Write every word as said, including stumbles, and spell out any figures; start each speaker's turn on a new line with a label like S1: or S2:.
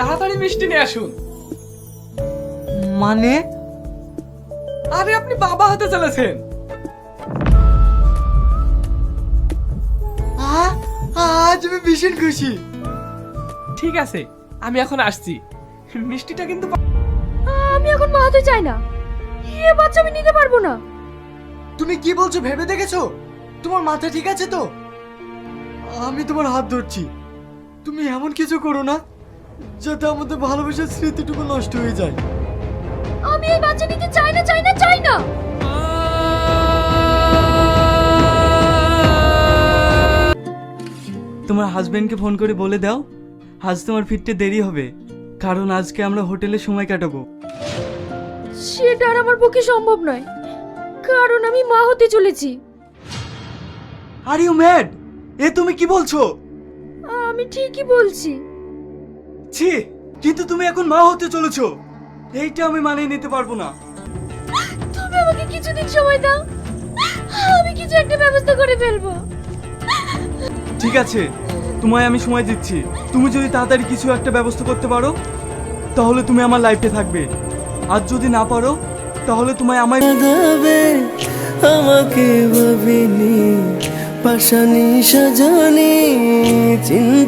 S1: তাড়াতাড়ি মিষ্টি নিয়ে আসুন।
S2: মানে?
S1: আরে আপনি বাবা হতে চলেছেন।
S2: আ- আজ আমি ভীষণ খুশি।
S1: ঠিক আছে, আমি এখন আসছি। মিষ্টিটা কিন্তু
S3: আমি এখন মা হতে চাই না, এ বাচ্চা আমি নিতে পারবো না।
S2: তুমি কি বলছো ভেবে দেখেছো? তোমার মাথা ঠিক আছে তো? আমি তোমার হাত ধরছি, তুমি এমন কিছু করো না যাতে আমাদের ভালোবাসার স্মৃতিটুকু নষ্ট হয়ে যায়।
S3: আমি এই বাচ্চা নিতে চাই না, চাই না, চাই না।
S4: তোমার হাজবেন্ডকে ফোন করে বলে দাও আজ তোমার ফিরতে দেরি হবে, কারণ আজকে আমরা হোটেলে সময় কাটাবো।
S3: সেটা আর আমার পক্ষে সম্ভব নয়, কারণ আমি মা হতে চলেছি।
S4: Are you mad? এ তুমি কি বলছো?
S3: আমি ঠিকই বলছি।
S4: ছি, কিন্তু তুমি এখন মা হতে চলেছো, এইটা আমি মানিয়ে নিতে পারবো না।
S3: তুমি আমাকে কিছুদিন সময় দাও, আমি কিছু একটা ব্যবস্থা করে ফেলবো।
S4: ঠিক আছে, তোমায় আমি সময় দিচ্ছি। তুমি যদি তাড়াতাড়ি কিছু একটা ব্যবস্থা করতে পারো তাহলে তুমি আমার লাইফে থাকবে, আর যদি না পারো তাহলে তোমায় আমায়
S5: দেবে আমাকে ভাবিনি পাশানি সাজানি চিন্তা